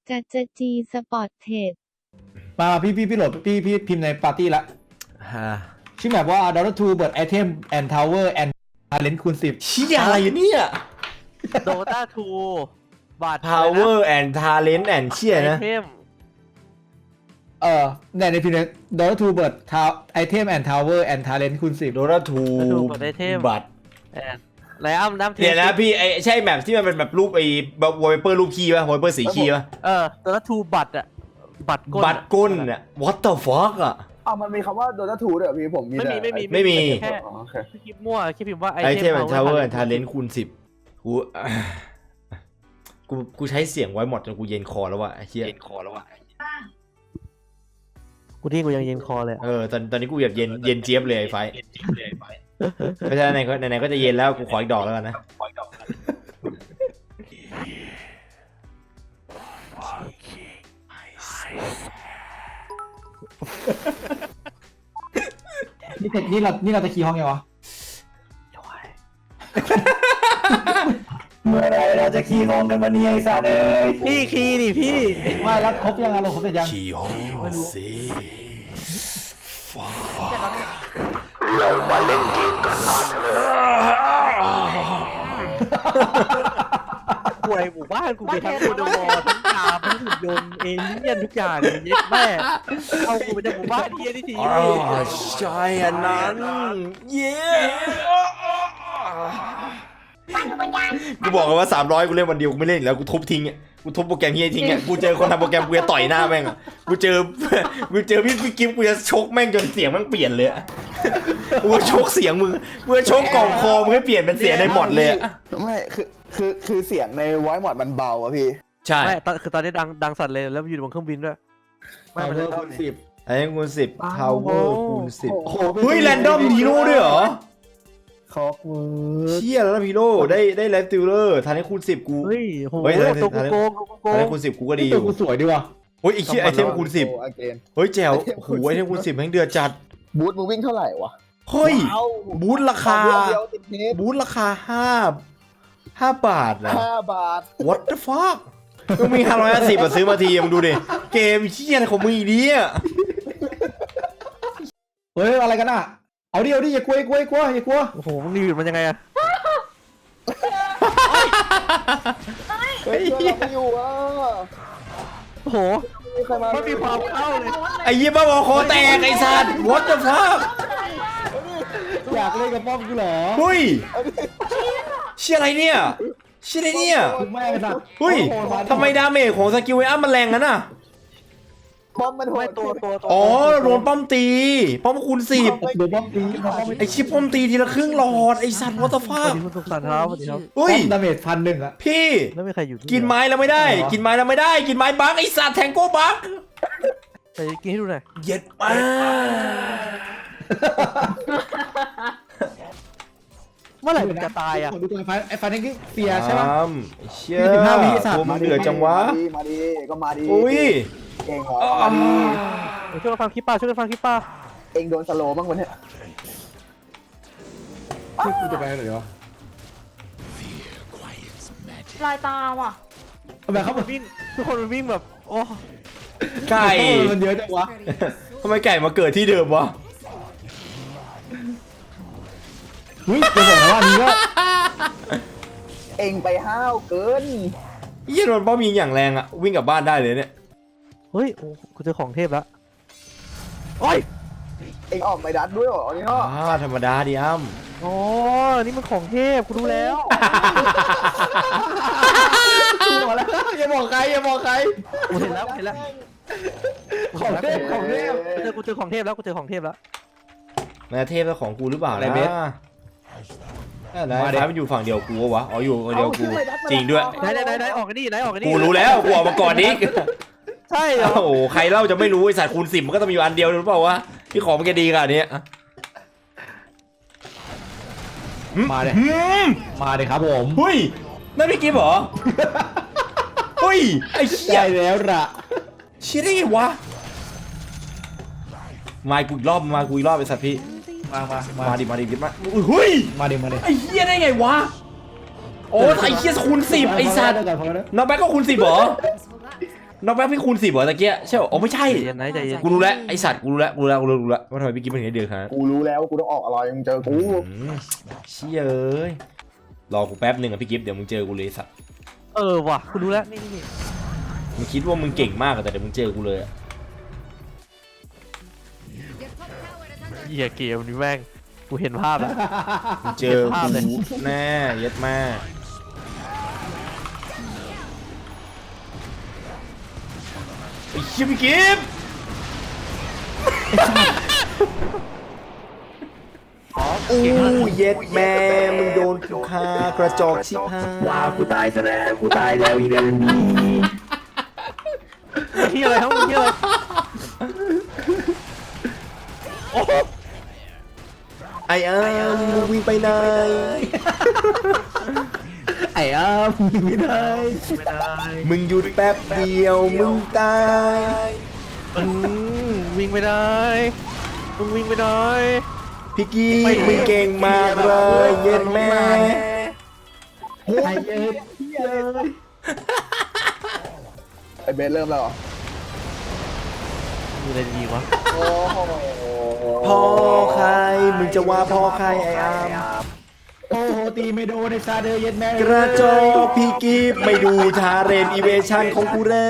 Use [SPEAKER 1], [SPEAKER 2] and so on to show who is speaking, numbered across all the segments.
[SPEAKER 1] จะจีสปอร์ตเทรด
[SPEAKER 2] มาพี่โหลดพี่พิมพ์ในปาร์ตี้ละชื่อแบบว่า Dota 2 Bird Item and Tower and Talent คูณ 10
[SPEAKER 3] ชี้อะไรเนี่ย
[SPEAKER 4] Dota 2 บัตร
[SPEAKER 3] Power and Talent and เชี่ยนะ
[SPEAKER 4] ไอเทม
[SPEAKER 2] ในพิมพ์ Dota 2 Bird Item and Tower and Talent คูณ 10
[SPEAKER 3] Dota
[SPEAKER 4] บัตรไอเทม
[SPEAKER 3] 2 บัตร
[SPEAKER 4] ไลอ้ำน้ำเที
[SPEAKER 3] เดี๋ยวนะพี่ไอใช่แบบที่มันเป็นแบบรูปไอ้แบบวอลเปเปอร์รูปขี้ป่ะวอลเปเปอร์สีขี้ป่ะ
[SPEAKER 4] Dota 2 บัตรอะบัตรก้น
[SPEAKER 3] บัตรก้นเนี่ย What the fuck อ่ะ
[SPEAKER 5] มันมีคำว่า Dota 2ด้วยเหรอพี่ผมมี
[SPEAKER 4] ไม่มี
[SPEAKER 3] ไม่มี
[SPEAKER 4] แค่
[SPEAKER 5] โอเค
[SPEAKER 4] คลิปมั่วคลิปพิมพ์ว่าไอ
[SPEAKER 3] ไอ
[SPEAKER 4] เท
[SPEAKER 3] เทม
[SPEAKER 4] ม
[SPEAKER 3] and Tower and Talent คูณ 10กูใช้เสียงไว้หมดจนกูเย็นคอแล้วว่ะไอ้เหี้ย
[SPEAKER 4] กูที่กูยังเย็นคอเลย
[SPEAKER 3] ตอนนี้กูแบบเย็นเจี๊ยบเลยไอ้ไฟไม่ใช่ไหนก็จะเย็นแล้วกูขออีกดอกแล้วกันนะ
[SPEAKER 2] นี่เราจะขี่ห้องยังวะเมื่อไรเราจะขี่ห้องกันวันนี้ไอ้สัตว์เอ้ย
[SPEAKER 4] พี่คีย์ดิพี่
[SPEAKER 2] ไม่แล้วครบยังเราครบเสร็จยัง
[SPEAKER 3] ขี่ห้องสิ
[SPEAKER 4] ป่วยหมู่บ้านกูไปทั้งโคดวอทั้งกาทั้งหุ่นยนต์เอเลี่ยนทุกอย่างเลยเย็ดแม่เอากูไปจากหมู่บ้านเฮียที่ที
[SPEAKER 3] ใช่อันนั้นเย้กูบอกเลยว่า300กูเล่นวันเดียวกูไม่เล่นแล้วกูทุบทิ้งอ่ะกูทุบโปรแกรมเฮียทิ้งอ่ะกูเจอคนทำโปรแกรมกูจะต่อยหน้าแม่งอ่ะกูเจอพี่กิฟกูจะชกแม่งจนเสียงแม่งเปลี่ยนเลยกูชกเสียงมึงกูชกกล่องคอมึงให้เปลี่ยนเป็นเสียงในหมดเลย
[SPEAKER 5] ไม่คือเสียงในไวท์มอดมันเบาอะพี่
[SPEAKER 3] ใช่
[SPEAKER 4] ไม่คือตอนนี้ดังสัตว์เลยแล้วอยู่บนเครื่องบินด้วย
[SPEAKER 2] Power คูณ 10
[SPEAKER 3] ไอ้คูณ10 power คูณ10เฮ้ยแรนดอมฮีโร่ด้วยเหรอ
[SPEAKER 5] คอกเวิร์ด
[SPEAKER 3] เชี่ยแล้วฮีโร่ได้แรดติลเลอร์ทันให้คูณ10กู
[SPEAKER 4] เฮ้ยโห
[SPEAKER 3] เฮ้ย
[SPEAKER 4] ตัวโกง
[SPEAKER 3] ทันให้คูณ10กูก็ดีอ
[SPEAKER 2] ตัว
[SPEAKER 3] ยู่
[SPEAKER 2] กูสวยดีว่ะ
[SPEAKER 3] เฮ้ยไอ้เชี่ยไอเทมคูณ10เฮ้ยแจ๋วโอ้โหไอเทมคูณ10แม่งเดือดจัด
[SPEAKER 5] บูทมึงวิ่งเท่าไหร่วะ
[SPEAKER 3] เฮ้ยบูธราคา
[SPEAKER 5] เดียวติดเทป
[SPEAKER 3] บูธราคา5 บาทนะ
[SPEAKER 5] 5 บาท
[SPEAKER 3] What the fuck มึงมี550มาซื้อมาทีมึงดูดิเกมเชี่ยอะไรของมึงอีเนี่ย
[SPEAKER 2] เฮ้ยอะไรกันอ่ะเอาดิอย่ากลัวอย่ากลัว
[SPEAKER 4] โอ้โหมึงรีวิวมันยังไงอะ
[SPEAKER 3] เฮ้ย
[SPEAKER 5] ช่วยเราไม่อยู่อ่ะ
[SPEAKER 4] โอ้โห
[SPEAKER 5] มีใครมา
[SPEAKER 4] ไม่มีความเข้าเลย
[SPEAKER 3] ไอ้เหี้ยบ้าบอคอแตกไอ้สัตว์ What the fuck
[SPEAKER 2] อยากเล่นกับป้อมกูเหรอ
[SPEAKER 3] เฮ้ยเชี่ยอะไรเนี่ยเชี่ยอะไรเนี่ย
[SPEAKER 2] คุณแม่กันสัตว์
[SPEAKER 3] เฮ้ยทำไมดาเมจของสกิลไอ้อ้ำมันแรงงั้นน่ะ
[SPEAKER 5] ป้อมมันโห
[SPEAKER 4] ไม่
[SPEAKER 5] ด
[SPEAKER 4] ตัว
[SPEAKER 3] อ๋อโดนป้อมตีป้อมคูณ10
[SPEAKER 2] โดนป้อมตีป้อม
[SPEAKER 3] ไอ้ชิปป้อมตีทีละครึ่งหลอดไอ้สัตว์ What the
[SPEAKER 4] สวัส
[SPEAKER 3] fuck
[SPEAKER 4] ดีคุณสุขสันต์ครับสวัสดีครับ
[SPEAKER 3] เฮ้ย
[SPEAKER 2] ดาเมจ1,100อ่ะ
[SPEAKER 3] พี่
[SPEAKER 4] แล้วไม่ใครอยู่
[SPEAKER 3] กินไม้แล้วไม่ได้ กินไม้แล้วไม่ได้ กินไม้บักไอ้สัตว์แทงโก้บัก
[SPEAKER 4] แต่กินให้ดูหน่อย
[SPEAKER 3] เย็ดมาก
[SPEAKER 4] เมื่อไหร่มึงจะตายอ่ะ
[SPEAKER 2] ดูตัวไอ้ไฟนี่เฟียใช่ปะ
[SPEAKER 3] เชี่ย
[SPEAKER 2] 15 วิสัตว์
[SPEAKER 3] โอ้มึงเดือดจังวะ
[SPEAKER 5] มาดีก็มาดี
[SPEAKER 3] อุ้ย
[SPEAKER 5] เก่งเหรอมาดี
[SPEAKER 4] ช่วยกันฟังคลิปป้าช่วยกันฟังคลิปป้า
[SPEAKER 5] เองโดนสโลว์บ้างวันนี้
[SPEAKER 2] ที่กูจะไปไหนวะ
[SPEAKER 6] ลายตาว่ะ
[SPEAKER 2] ทำไมเขา
[SPEAKER 4] มันวิ่งทุกคนมันวิ่งแบบโอ้
[SPEAKER 3] ไก่
[SPEAKER 2] มันเยอะจังวะ
[SPEAKER 3] ทำไมไก่มาเกิดที่เดิมวะ
[SPEAKER 2] อุ้ยจะบอกนะว่าอันนี้ก็
[SPEAKER 5] เองไปห้าวเกิน
[SPEAKER 3] เยี่ยโดนป้อมยิงอย่างแรงอะวิ่งกลับบ้านได้เลยเนี่ย
[SPEAKER 4] เฮ้ยโอ้กูเจอของเทพแล้วโอ้ย
[SPEAKER 5] เองออกไปดัดด้วยเหรอนี่เนาะ
[SPEAKER 3] ธรรมดาดิอ้ำ
[SPEAKER 4] อ๋อนี่มันของเทพกูรู้แล้ว
[SPEAKER 2] กูบอกแล้วอย่าบอกใคร
[SPEAKER 4] กูเห็นแล้ว
[SPEAKER 2] ของเทพ
[SPEAKER 4] กูเจอของเทพแล้วกูเจอของเทพแล้ว
[SPEAKER 3] แม่เทพแล้วของกูหรือเปล่า
[SPEAKER 2] อะไร
[SPEAKER 3] นะ
[SPEAKER 2] เบส
[SPEAKER 3] ไหนมันอยู่ฝั่งเดียวกูวะอ๋ออยู่ฝั่งเดียวกูจริงด้วย
[SPEAKER 4] ไหนออกกันนี่
[SPEAKER 3] กูรู้แล้วกูออกมาก่อนนี้
[SPEAKER 4] ใช่เหรอ
[SPEAKER 3] โอ้โหใครเล่าจะไม่รู้ไอ้สัตว์คูณ10มันก็ต้องมีอยู่อันเดียวหรือเปล่าวะพี่ของมันจะดีขนาดนี้
[SPEAKER 2] มาเลยครับผม
[SPEAKER 3] เฮ้ยนั่นพี่กิ๊บเหรอเฮ้ยไอ้เชี่ย
[SPEAKER 2] ใช่แล้วล่ะ
[SPEAKER 3] เชี่ยได้ไงวะมากูอีกรอบไอ้สัตว์พี่ มาดิกิ๊บมาเฮ้ย
[SPEAKER 2] มาดิ
[SPEAKER 3] ไอ้เหี้ยได้ไงวะโอ้ไอ้เหี้ยคูณ10ไอ้สัตว์น้องแบ๊กก็คูณ10เหรอน็อกแบ็คพี่คูณ 10เหรอตะเกียใช่เหรออ๋อไม่ใช่
[SPEAKER 4] ใจเย็นนะใจเย็น
[SPEAKER 3] กูรู้แล้วไอสัตว์กูรู้แล้วว่าทำไมพี่กิ๊ฟมันถึงได้เดือดขนาดนั้น
[SPEAKER 5] กูรู้แล้วกูต้องออกอะไรมึงเจอกู
[SPEAKER 3] เชี่ยเอ้ยรอกูแป๊บหนึ่งอ่ะพี่กิ๊ฟเดี๋ยวมึงเจอกูเลยสัตว์
[SPEAKER 4] ว่ะกูรู้แล้วนี่
[SPEAKER 3] มึงคิดว่ามึงเก่งมากอะแต่เดี๋ยวมึงเจอกูเลยอะ
[SPEAKER 4] เหี้ยเกมนี้แม่งกูเห็นภาพแล้ว
[SPEAKER 3] มึงเจอ
[SPEAKER 4] เห็นภาพเลย
[SPEAKER 3] กูแน่เย็ดมากไอ้เชี่ยพี่กิ๊ฟอู้เย็ดแม่มึงโดนกูฆ่ากระจอกชิบหาย
[SPEAKER 5] กูตายซะแล้วกูตายแล้วอีเดนนี้
[SPEAKER 4] เหี้ยอะไรทั้งเหี้ยอะไรโอ้
[SPEAKER 3] ไอ้มึงวิ่งไปไหน
[SPEAKER 2] ไอ้อ้ามไม่ได้
[SPEAKER 4] ไม่ได้
[SPEAKER 3] มึงหยุดแป๊บเดียวมึงตาย
[SPEAKER 4] วิ่งไม่ได้มึงวิ่งไม่ได้
[SPEAKER 3] พี่กิ๊ฟมึงเก่งมากเลยเย็ดแม่
[SPEAKER 2] ไอ้เย็ด
[SPEAKER 5] ไอเบสเริ่มแล้วเหรอ
[SPEAKER 4] มีอะไรดีวะ
[SPEAKER 5] โอ้โห
[SPEAKER 3] พ่อใครมึงจะว่าพ่อใครไอ้อาม
[SPEAKER 2] โอ้โหตีไม่โดนในซาเดอร์เย็ดแม่
[SPEAKER 3] กระจอกพี่กิ๊ฟไม่ดูทาเรนอีเวชั่นของกูเลย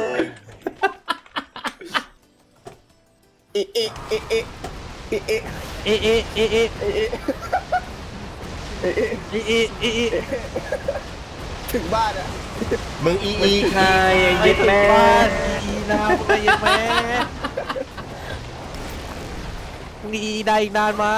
[SPEAKER 5] เอะเอะเอะเอะเอะเอะ
[SPEAKER 4] เอะเอะเอะเอะ
[SPEAKER 5] เอะเอะ
[SPEAKER 4] เอะเอะเอะ
[SPEAKER 5] ถึงบ้านอะ
[SPEAKER 3] มึงอีใครไอ้เย็ดแม่
[SPEAKER 4] อีนามึงไอ้เหี้ยแม่มึงอีได้อีกนานไหม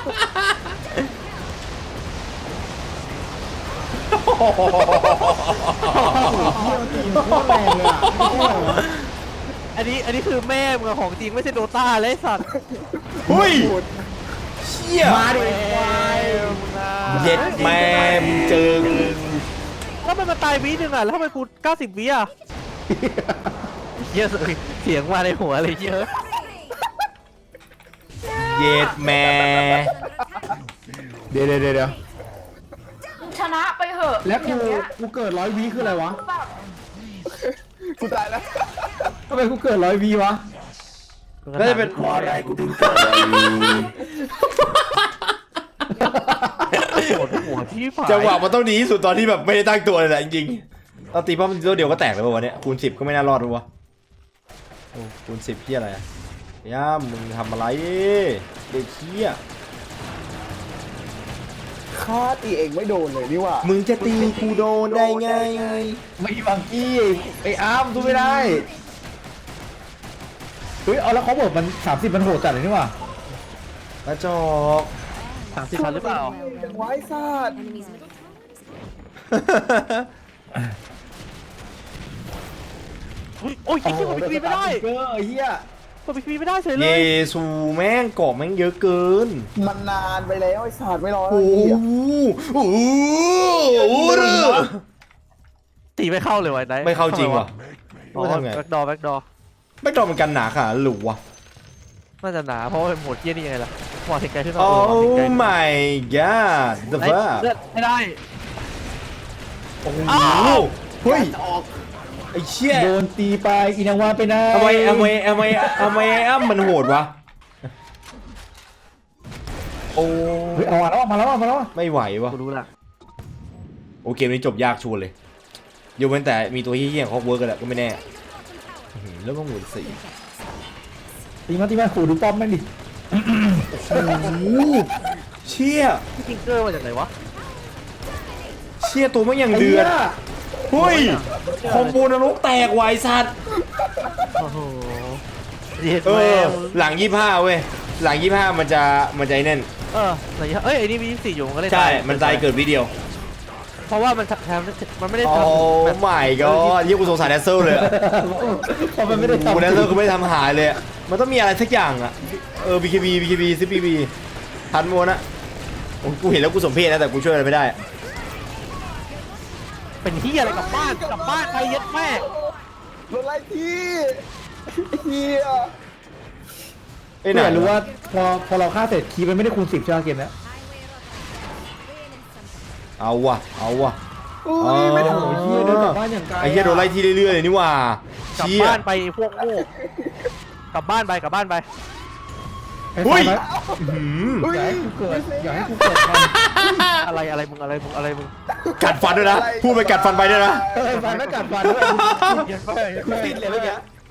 [SPEAKER 2] แรงเลยอ่ะ
[SPEAKER 4] อันนี้คือแม่มึงอะของจริงไม่ใช่โดต้าเลยไอ้สัตว์
[SPEAKER 3] เฮ้ยเชี่ย
[SPEAKER 2] มาดิ
[SPEAKER 3] เย็ดแม่มึงเจอกู
[SPEAKER 4] แล้วมันมาตายวินึงอ่ะแล้วทำไมกู90วิอ่ะเยอะเลยเสียงมาในหัวเลยเยอะ
[SPEAKER 3] เย็ดแม่
[SPEAKER 2] เดี๋ยว
[SPEAKER 6] ชนะไปเหอะ
[SPEAKER 2] แล้ว
[SPEAKER 6] อย่างเงี้ย
[SPEAKER 2] กูเกิด100 วิคืออะไรวะ
[SPEAKER 6] แบบ
[SPEAKER 5] กูตายแล้ว
[SPEAKER 2] ทำไมกูเกิด100 วิวะ
[SPEAKER 3] น่าจะเป็น
[SPEAKER 5] อะไรกูถึงเกิด
[SPEAKER 4] ปวดหัวที่ฝ่าย
[SPEAKER 3] จังหวะมันต้องดีที่สุดตอนที่แบบไม่ได้ตั้งตัวเลยแหละจริงๆตอนตีป้อมตัวเดียวก็แตกเลยป่ะวะเนี่ยคูณ 10ก็ไม่น่ารอดหรอวะโอ้คูณ 10พี่อะไรอะย่ามึงทำอะไรเด็กเขี้ย
[SPEAKER 5] ฆ่าตีเองไม่โดนเลยนี่หว่า
[SPEAKER 3] มึงจะตีกูโดนได้ไง
[SPEAKER 2] ไม่บังกี้ไอ้อาร์มสู้ไม่ได้เฮ้ยเอาแล้วเขาบอกมัน30มันโหดจัดเลยนี่หว่าก
[SPEAKER 3] ระจอก
[SPEAKER 4] 30 พันหรือเปล่า
[SPEAKER 5] ไว้ซาด
[SPEAKER 4] อุ๊ยโอ้ยไอ้ที่มันปีไม่ได้
[SPEAKER 2] เกอร์ไอ้เหี้ย
[SPEAKER 4] มันปีไม่ได้เฉยเล
[SPEAKER 3] เย
[SPEAKER 4] ย
[SPEAKER 3] ซูแม่งเกาะแม่งเยอะเกิน
[SPEAKER 5] มันนานไปแล้วไอ้ศาสตร์ไม่รอแล้ว
[SPEAKER 3] โอ้
[SPEAKER 5] ไอ้
[SPEAKER 3] โห
[SPEAKER 5] เหี้ย
[SPEAKER 3] โอ้โหโอ้โห
[SPEAKER 4] ตีไม่เข้าเลยวะไอ้นาย
[SPEAKER 3] ไม่เข้าจริงว่ะ
[SPEAKER 4] อ๋อ
[SPEAKER 3] ไม่ทำไง
[SPEAKER 4] แบ็คดอร์
[SPEAKER 3] ไม่ตอมันกันหนาขนาดนั้นหรือวะ
[SPEAKER 4] น่าจะหนาเพราะว่าเป็นโหมดเกี้ยนี่ยังไงล่ะหมอเทคไกลขึ้นมา
[SPEAKER 3] โอ้
[SPEAKER 4] หมอเทคไกล
[SPEAKER 3] my god the
[SPEAKER 4] ไอ้
[SPEAKER 3] fuck
[SPEAKER 4] เลือดไม่ได้
[SPEAKER 3] โอ้โห
[SPEAKER 4] อ้าว
[SPEAKER 3] เฮ้ยไอ้เชี่ย
[SPEAKER 2] โดนตีไปอินาวาไปนะ
[SPEAKER 3] ทำไมไอ้อ้ำมันโหดวะโอ้
[SPEAKER 2] เฮ้ยเอามาแล้ว
[SPEAKER 3] ไม่ไหววะ
[SPEAKER 4] กูรู้ละ
[SPEAKER 3] โอเกมนี้จบยากชวนเลยยกเว้นแต่มีตัวเฮี้ยๆของเขาเวิร์กกันแหละก็ไม่แน่อื้อหือแล้วก็หมุนสี
[SPEAKER 2] ตีมาขู่ดูป้อมแม่งดิ
[SPEAKER 3] โอ้โหเชี่ย
[SPEAKER 4] พี่ทิงเกอร์มาจากไหนวะ
[SPEAKER 3] เชี่ยตัวมันอย่างเดือดเฮ้ยคอมโบนรกแตกไวะไอ้สัตว์
[SPEAKER 4] โอ้โหเย็ด
[SPEAKER 3] เอ
[SPEAKER 4] แม่
[SPEAKER 3] อหลัง25เว้ยหลัง25มันจะไอ้นั่น
[SPEAKER 4] ไหนเอ้ยไอ้นี่มี24อยู่มันก็เลย
[SPEAKER 3] ใช่มันตายเกิดวิดีโอ
[SPEAKER 4] เพราะว่ามันทำมันไม่ได้
[SPEAKER 3] โอ้
[SPEAKER 4] ทำแบบ
[SPEAKER 3] ไม่ก็ยิ่งกูสงสารแดนเซอร์เลยอะ
[SPEAKER 2] พอมันไม่ได้
[SPEAKER 3] กู
[SPEAKER 2] ทำ
[SPEAKER 3] แดนเซอร์ก็ไม่ได้ทำหายเลยอะมันต้องมีอะไรสักอย่างอะBKB CPB ทันโมนะโอ้กูเห็นแล้วกูสมเพชนะแต่กูช่วยอะไรไม่ได้
[SPEAKER 4] เป็นที่อะไรกลับบ้านไปเย็ดแม่
[SPEAKER 5] รถไล่ที่ไอ้เหี้ย
[SPEAKER 3] ไอ้ห
[SPEAKER 2] เนี่
[SPEAKER 3] นาย
[SPEAKER 2] รู้ว่าพอเราฆ่าเสร็จคีย์มันไม่ได้คูณ 10ใช่ไหมเกมเนี้ย
[SPEAKER 3] เอาว่ะ
[SPEAKER 5] อุ้
[SPEAKER 3] อ๋อ
[SPEAKER 5] ยไม่ทัน
[SPEAKER 2] โอ้ยเฮียเดินกลับบ้านอย่างไกล
[SPEAKER 3] ไอ้เหี้ยโดนไล่ที่เรื่อยๆเลยนี่หว่าก
[SPEAKER 4] ลับ
[SPEAKER 3] เชี่ย
[SPEAKER 4] บ้านไปพวกโง่กลับบ้านไปกลับบ้านไป
[SPEAKER 2] ไอ้
[SPEAKER 3] อุ้
[SPEAKER 2] ไฟ
[SPEAKER 3] ย
[SPEAKER 2] ไหม
[SPEAKER 3] หืม
[SPEAKER 2] อย่าให้กูเกิดอย่าให้กูเกิดทัน
[SPEAKER 4] อะไรมึงอะไรมึง
[SPEAKER 3] กัดฟันด้วยนะพูดไปกัดฟันไปด้วยนะ
[SPEAKER 2] ไอ้ไฟไม่กัดฟันด้วยกูติดเลยเมื่อกี้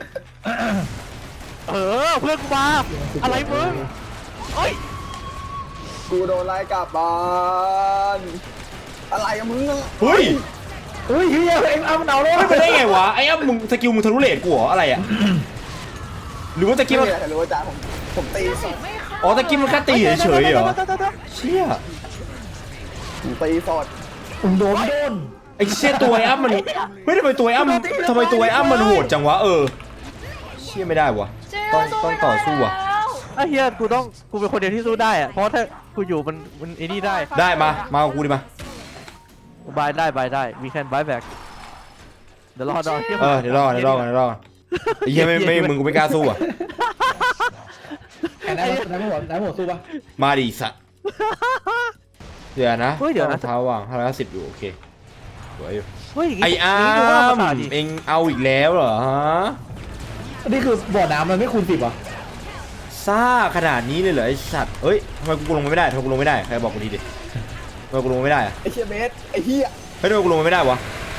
[SPEAKER 4] เพื่อนกูมาอะไรมึงเฮ้ย
[SPEAKER 5] กูโดนไล่กลับบ้านอะไรกับมึงอะ
[SPEAKER 3] เฮ้ย
[SPEAKER 2] เฮ้ยเฮียเอ็งเอามันเอาเลย
[SPEAKER 3] ไม่เป็นได้ไงวะไอ้อ้ำมึงสกิลมึงทะลุเลทกูเหรออะไรอ่ะหรือว่าตะกี้มัน
[SPEAKER 5] ไม่รู้ว่าจ้าผมตีสด
[SPEAKER 3] อ๋อตะกี้มันแค่ตีเฉยๆเหรอเชี่ย
[SPEAKER 5] ผมตีสด
[SPEAKER 2] ผมโดน
[SPEAKER 3] ไอ้เชี่ยตัวไอ้อ้ำมันเฮ้ยทำไมตัวไอ้อ้ำทำไมตัวไอ้อ้ำมันโหดจังวะเชี่ยไม่ได้วะต้องต่อสู้วะ
[SPEAKER 4] ไอ้เฮียกูเป็นคนเดียวที่สู้ได้อะเพราะถ้ากูอยู่มันไอ้นี่ได้
[SPEAKER 3] ได้มากับกูดิมา
[SPEAKER 4] บายได้ we can buy back เดี๋ยวรอดอ
[SPEAKER 3] เดี๋ยวรอกันไอ้เหี้ยไม่มึงกูไม่กล้าสู้อ่ะ
[SPEAKER 2] ไหนหัวสู้ปะ
[SPEAKER 3] มาดิสัตว์เดี๋ยวนะ
[SPEAKER 4] เดี๋ยวนะ
[SPEAKER 3] เท้าว่าง510อยู่โอเคสวยอยู่
[SPEAKER 4] เฮ้ย
[SPEAKER 3] ไอ้อ้ำเอ็งเอาอีกแล้วเหรอฮะ
[SPEAKER 2] นี่คือบ่อน้ำมันไม่คูณ10อ่ะ
[SPEAKER 3] ซ่าขนาดนี้เลยเหรอไอ้สัตว์เอ้ยทำไมกูลงไม่ได้ใครบอกกูทีดิทำไมกูลงไม่ได้อะ
[SPEAKER 5] ไอ้เชี่ยเบสไอ้เหี้ย
[SPEAKER 3] เฮ้ยทำไมกูลงไม่ได้วะ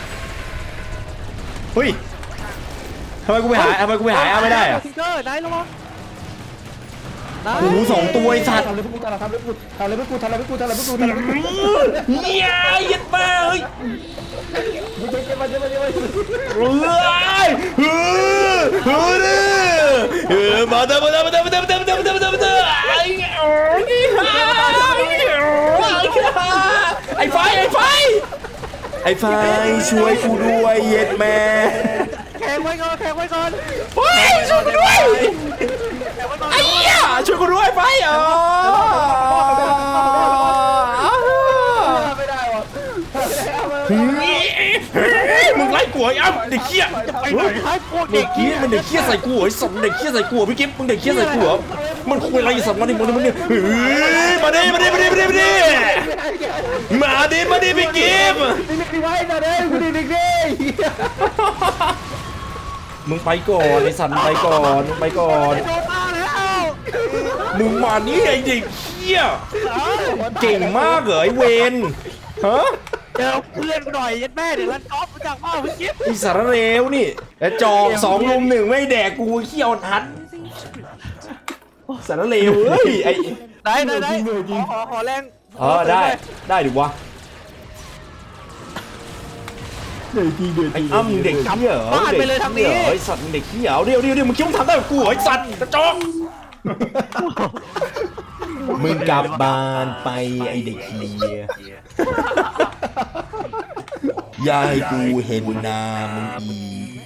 [SPEAKER 3] เฮ้ยทำไมกูไปหาอ้ำไม่ได้อะ
[SPEAKER 4] ทิงเกอร์นายระวัง
[SPEAKER 3] โอ้โห2 ตัวไอ้สัตว์
[SPEAKER 2] ทำเลยพวกกูทำเลยพวกกู
[SPEAKER 3] เฮียยัดมาเฮ้ย
[SPEAKER 2] เจ็บมา
[SPEAKER 3] เฮ้ยมาเถอะไอ้ไฟช่วยกูด้วยเย็ดแม่
[SPEAKER 4] แข่งไว้ก่อน
[SPEAKER 3] เฮ้ยช่วยกูด้วยไอ้เหี้ยช่วยกูด้วยไฟ
[SPEAKER 2] ไม่ได้วะ
[SPEAKER 3] มึงไล่กูไอ้อ้ำเด็กเหี้ย
[SPEAKER 4] ไปไหนให้พวก
[SPEAKER 3] เด็
[SPEAKER 4] เด็
[SPEAKER 3] ก
[SPEAKER 4] ก
[SPEAKER 3] เหี้ยมันเด็กเหี้ยใส่กูไอ้สัตว์เด็กเหี้ยใส่กูพี่กิ๊ฟมึงเด็กเหี้ยใส่กูเหรอมันคุยอะไรสัตว์มาดิมาดิมาดิพี่กิ๊ฟ
[SPEAKER 2] นี่ไว้นะเด้กูดีดิ
[SPEAKER 3] มึงไปก่อนไอ้สัตว์มึงไปก่อน
[SPEAKER 4] โดนตาแล้ว
[SPEAKER 3] มึงมานี่ไอ้เด็กเหี้ยเก่งมากเหรอไอ้เวนฮะ
[SPEAKER 4] เจอเพื่อนกูหน่อยยัดแม่เดี๋ยวรันกอล์ฟมาจากพ่อพี่กิ๊ฟ
[SPEAKER 3] ไอ้สารเลวนี่แล้วจอก2 ลุม 1ไม่แดกกูเขี้ยวทัดสารเลวเฮ้ยไอ้
[SPEAKER 4] ไหนขอแรง
[SPEAKER 3] ได้ดิวะไอ้อ้ำมึงเด็กเหี้ยเหรอไอ้สัตว์มึงเด็กเหี้ยเดี๋ยวมึงคิดว่ามึงทำได้กับกูเหรอไอ้สัตว์กระจอกมึงกลับบ้านไปไอ้เด็กเหี้ยอย่าให้กูเห็นหน้ามึงอี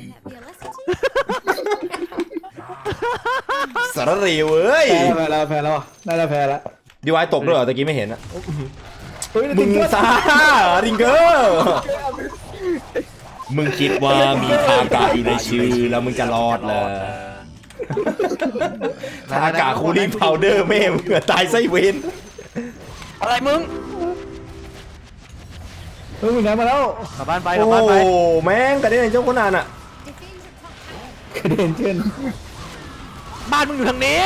[SPEAKER 3] สารเลวเอ้ย
[SPEAKER 2] แพ้แล้วน่าจะแพ้แล้ว
[SPEAKER 3] ดีวายตกด้วยเหรอตะกี้ไม่เห็นอะ
[SPEAKER 2] มึ
[SPEAKER 3] มึงซ่าริงเกอร์มึงคิดว่ามีทากาอยู่ในชื่อแล้วมึงจะรอดเลยทากาคูลิ่งพาวเดอร์แม่มึงตายไส้เวน
[SPEAKER 4] อะไรมึง
[SPEAKER 2] มึงไหนมาแล้ว
[SPEAKER 4] กลับบ้านไป
[SPEAKER 3] โอ้แม่งกระเด็นเจ้าคนนั้นอะ
[SPEAKER 2] กระเด็นเช่น
[SPEAKER 4] บ้านมึงอยู่ทางนี้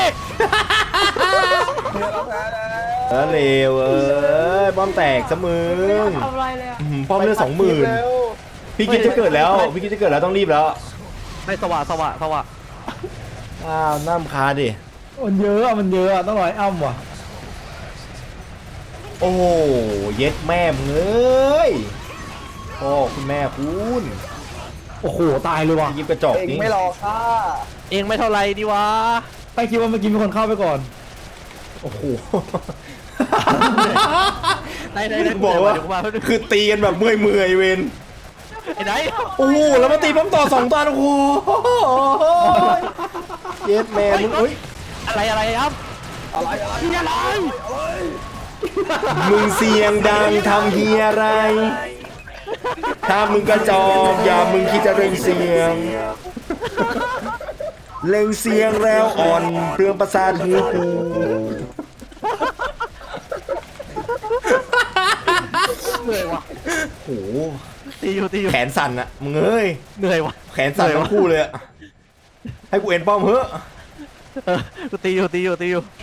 [SPEAKER 3] แล้วเลวเอ้ยป้อมแตกซะมึง
[SPEAKER 6] ทำอะไรเลยอะ
[SPEAKER 3] ป้อมเลือด20,000พี่กิ๊ฟจะเกิดแล้วต้องรีบแล้ว
[SPEAKER 4] ไม่สว่ะ
[SPEAKER 3] อ้าวน้ำคาดิ
[SPEAKER 2] มันเยอะต้องรอยอ้ำว่ะ
[SPEAKER 3] โอ้เย็ดแม่มึงเอ้ยพ่อคุณแม่คุณ
[SPEAKER 2] โอ้โหตายเลยว่ะ
[SPEAKER 3] พี่กิ๊ฟกระจอก
[SPEAKER 5] เอง
[SPEAKER 3] นี่
[SPEAKER 5] ไม่รอข้า
[SPEAKER 4] เองไม่เท่าไรดีวะ
[SPEAKER 2] ไปคิดว่าเมื่อกี้มีคนเข้าไปก่อน
[SPEAKER 3] โอ้โห
[SPEAKER 4] ไหน
[SPEAKER 3] บอกว่าคือตีกันแบบเมื่อยเวน
[SPEAKER 4] ไอ้ไหน
[SPEAKER 3] โอ้โหแล้วมาตีป้อมต่อ2 ตาโอ้โหเย็ดแม่มึงเอ้ย
[SPEAKER 4] อะไรครับ
[SPEAKER 5] อะไร
[SPEAKER 4] ที่อะไร
[SPEAKER 3] มึงเสียงดังทำเฮียอะไร ถ้ามึงกระจอกอย่ามึงคิดจะเร่งเสียงแล้วอ่อนเปลืองประสาทหูกู
[SPEAKER 4] เลยว่ะ
[SPEAKER 3] โอ้โห
[SPEAKER 4] ตีอยู่ตีอยู่
[SPEAKER 3] แขนสั่นอะมึงเอ้ย
[SPEAKER 4] เหนื่อยวะ
[SPEAKER 3] แขนสั่นทั้งคู่เลยอะให้กูเอ็นป้อมเฮ้อะ
[SPEAKER 4] กูตีอยู่ตีอยู่ตีอยู่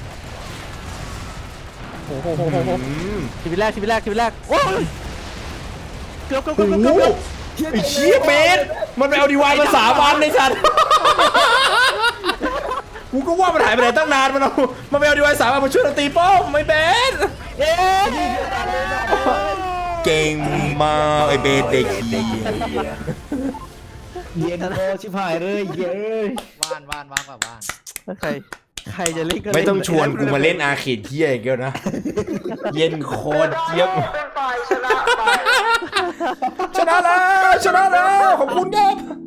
[SPEAKER 4] โอ้โหชีวิตแรกชีวิตแรกชีวิตแรกโอ้ยเกือบเกือบเกือบเกือบเกือบ
[SPEAKER 3] ไอ้เชี่ยเบสมันไปเอาดีวายมา3 วันในสัตว์กูก็ว่ามันหายไปไหนตั้งนานมันไปเอาดีวาย3 วันมาช่วยเราตีป้อมไม่เบสเก่งมากไอ้เบสเด็กดี
[SPEAKER 2] เย็นโอชิบหายเลยเย้ย
[SPEAKER 7] ว่านกว่าว่าน
[SPEAKER 4] ใครจะเล่นก็เล่น
[SPEAKER 3] ไม่ต้องชวนกูมาเล่นอาเขตเที่ยอีกแล้วนะ เย็นโคตรเจี๊ยบ
[SPEAKER 6] เป็นฝ่ายชนะไป
[SPEAKER 3] ชนะแล้วขอบคุณครับ